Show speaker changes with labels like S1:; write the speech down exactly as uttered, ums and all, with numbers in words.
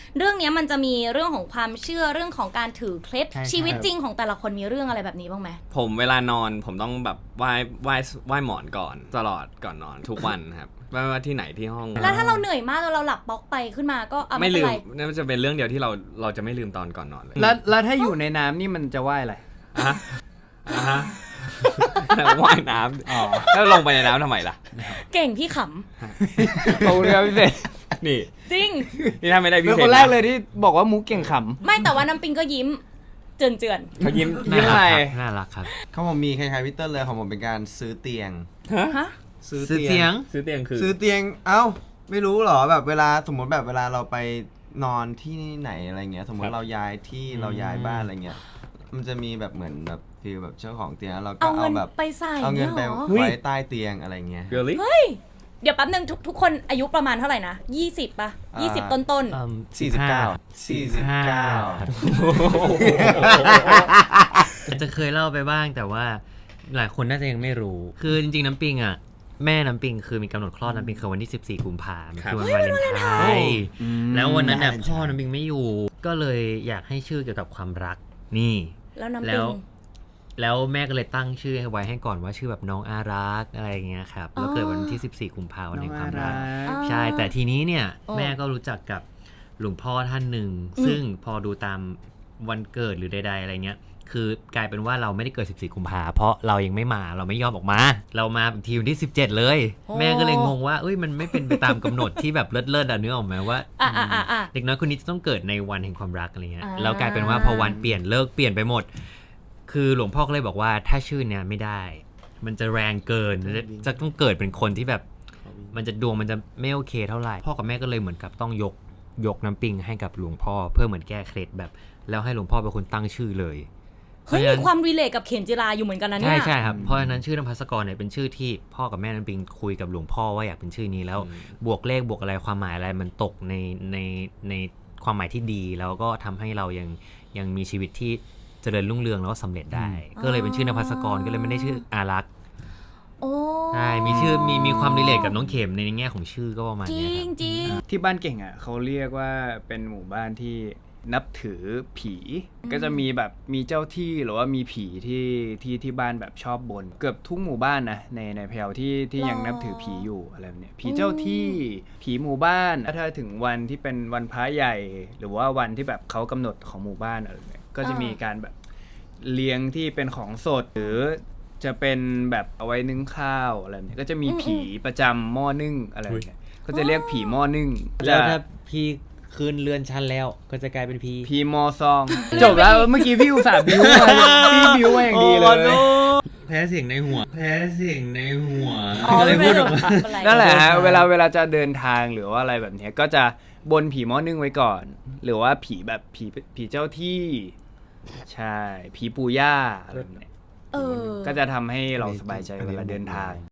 S1: เรื่องนี้มันจะมีเรื่องของความเชื่อเรื่องของการถือเคล็ดชีวิตจริงของแต่ละคนมีเรื่องอะไรแบบนี้บ้างไหม
S2: ผมเวลานอนผมต้องแบบไหว้ไหว้ไหว้หมอนก่อนตลอดก่อนนอนทุกวันครับไม่ว่าที่ไหนที่ห้อง
S1: แล้วถ้าเราเหนื่อยมากแล้วเราหลับบล็อกไปขึ้นมาก็ไม่
S2: ไม่ลื
S1: เป็น
S2: ม
S1: ไร
S2: นั่นจะเป็นเรื่องเดียวที่เราเราจะไม่ลืมตอนก่อนนอนเลย
S3: แล้วแล้วถ้าอยู่ในน้ำนี่มันจะว่ายอะไร
S2: อ่ะอ่ะว่ายน้ำแล้วลงไปในน้ำทำไมล่ะ
S1: เก่งพี่ข
S3: ขอบคุณครับพี่เศษ
S2: นี่
S1: ำจริง
S2: นี่ถ้าไม่ได้
S3: เป็
S2: พี่
S3: น
S2: เศษ
S3: คนแรกเลยที่บอกว่ามุกเก่งข
S1: ไม่แต่ว่าน้ำปิงก็ยิ้มเจือนเจือน
S2: เขายิ้ม
S3: ำยิ้มอะไร
S4: น่ารักครับ
S5: ของผมมีคล้ายๆพี่เติ้ลเลยของผมเป็นการซื้อเตียง
S1: ฮะ
S5: ซื้อ
S4: ซื้อเตียง
S2: ซื้อเตียงคือ
S5: ซื้อเตียงเอ้าไม่รู้เหรอแบบเวลาสมมติแบบเวลาเราไปนอนที่ไหนอะไรเงี้ยสมมติเราย้ายที่เราย้ายบ้านอะไรเงี้ยมันจะมีแบบเหมือนแบบฟีลแบบเจ้าของเตียงแล้วเราก็
S1: เอาเงิ
S5: เอา
S1: น
S5: แบบ
S1: ไปใส่
S5: เอาเงินไป
S1: ยหรอ
S5: ไว้ใต้เตียงอะไรเงี้ย
S2: really
S1: เดี๋ยวแป๊บนึงทุกทุกคนอายุประมาณเท่าไหร่นะยี่สิบป่ะยี่สิบต้นต้น
S5: สี่สิบเก้า สี่สิบเก้า
S4: จะเคยเล่าไปบ้างแต่ว่าหลายคนน่าจะยังไม่รู้ คือจริงๆน้ำปิงอ่ะแม่น้ำปิงคือมีกำหนดคลอดน้ำปิงคือวันที่สิบสี่กุมภาพันธ์คือวันวาเลนไทน์แล้ววันนั้นเนี่ยพ่อน้ำปิงไม่อยู่ก็เลยอยากให้ชื่อเกี่ยวกับความรักนี่
S1: แล้วน้ำ
S4: แล้
S1: ปิ
S4: ว
S1: ง
S4: แล้วแม่ก็เลยตั้งชื่อให้ไว้ให้ก่อนว่าชื่อแบบน้องอารักอะไรอย่างเงี้ยครับแล้วเกิดวันที่สิบสี่กุมภาพันธ์วันแห่งความรัก
S1: อ๋อ
S4: ใช่แต่ทีนี้เนี่ย
S1: อ๋อ
S4: แม่ก็รู้จักกับหลวงพ่อท่านหนึ่งซึ่งพอดูตามวันเกิดหรือใดๆอะไรเงี้ยคือกลายเป็นว่าเราไม่ได้เกิดสิบสี่กุมภาเพราะเรายังไม่มาเราไม่ยอมออกมา เรามาอีกทีวันที่สิบเจ็ดเลย แม่ก็เลยงงว่าเอ้ยมันไม่เป็นไปตามกำหนดที่แบบเลิศๆอ่ะนึกออกไหมว่า
S1: อ่ะอ่ะอ่ะอ่ะ
S4: เด็กน้อยคนนี้จะต้องเกิดในวันแห่งความรักอะไรเงี้ย
S1: อ่า
S4: แล้วกลายเป็นว่าพอวันเปลี่ยนเลิกเปลี่ยนไปหมด คือหลวงพ่อก็เลยบอกว่าถ้าชื่อเนี้ยไม่ได้ มันจะแรงเกินจะจะต้องเกิดเป็นคนที่แบบ มันจะดวงมันจะไม่โอเคเท่าไหร่พ่อกับแม่ก็เลยเหมือนกับต้องยกยกน้ำปิงให้กับหลวงพ่อเพื่อเหมือนแก้เคล็ดแบบ แล้วให้หลวงพ่อเป็นคนตั้งชื่อเลย
S1: เฮ้ยมีความรีเลทกับเข็มจิราอยู่เหมือนกันนะเนี่
S4: ใช่
S1: ย
S4: ใช่ครับเพราะฉะนั้นชื่อนภัสกรเนี่ยเป็นชื่อที่พ่อกับแม่น้ำปิงคุยกับหลวงพ่อว่าอยากเป็นชื่อนี้แล้วบวกเลขบวกอะไรความหมายอะไรมันตกในในในความหมายที่ดีแล้วก็ทำให้เรายังยังมีชีวิตที่เจริญรุ่งเรืองแล้วก็สำเร็จได้ ก็เลยเป็นชื่อนภัสกรก็เลยไม่ได้ชื่ออารักษ์
S1: โอ้
S4: ใช่มีชื่อมีมีความรีเลทกับน้องเข็มในแง่ของชื่อก็ประมาณ
S1: จริ
S4: เนี้ย
S1: ง
S4: ครับ
S1: จริง
S3: ที่บ้านเก่งอ่ะเขาเรียกว่าเป็นหมู่บ้านที่นับถือผีก็จะมีแบบมีเจ้าที่หรือว่ามีผีที่ที่ที่บ้านแบบชอบบนเกือบทุกหมู่บ้านนะในในแพลวที่ที่ยังนับถือผีอยู่อะไรแบบเนี้ยผีเจ้าที่ผีหมู่บ้านถ้าถึงวันที่เป็นวันพระใหญ่ หรือว่าวันที่แบบเขากำหนดของหมู่บ้านอะไรแบบเนี้ยก็จะมีการแบบเลี้ยงที่เป็นของสดหรือจะเป็นแบบเอาไว้นึ่งข้าวอะไรแบบเนี้ยก็จะมีผีประจำหม้อนึ่งอะไรแบบเนี้ยก็จะเรียกผีหม้อนึ่ง
S4: แล้วถ้าพี่คืนเรือนชั้นแล้วก็จะกลายเป็นพี่
S3: พีมอซอง จบแล้วเมื่อกี้พี่อุตส่าห์บิวมาพี่บิวมาอย่างดีเลย
S4: แพ้เสียงในหัว แพ้เสียงในหัว
S1: อ๋อ
S4: ก็เลยพูดออกมา
S1: อะไร
S3: นั่นแหละฮะเวลาเวลาจะเดินทางหรือว่าอะไรแบบเนี้ยก็จะบนผีหม้อนึ่งไว้ก่อน หรือว่าผีแบบผีผีเจ้าที่ ใช่ผีปู่ย่าอะไรแบบเนี้ย
S1: เออ
S3: ก็จะทำให้เราสบายใจเวลาเดินทาง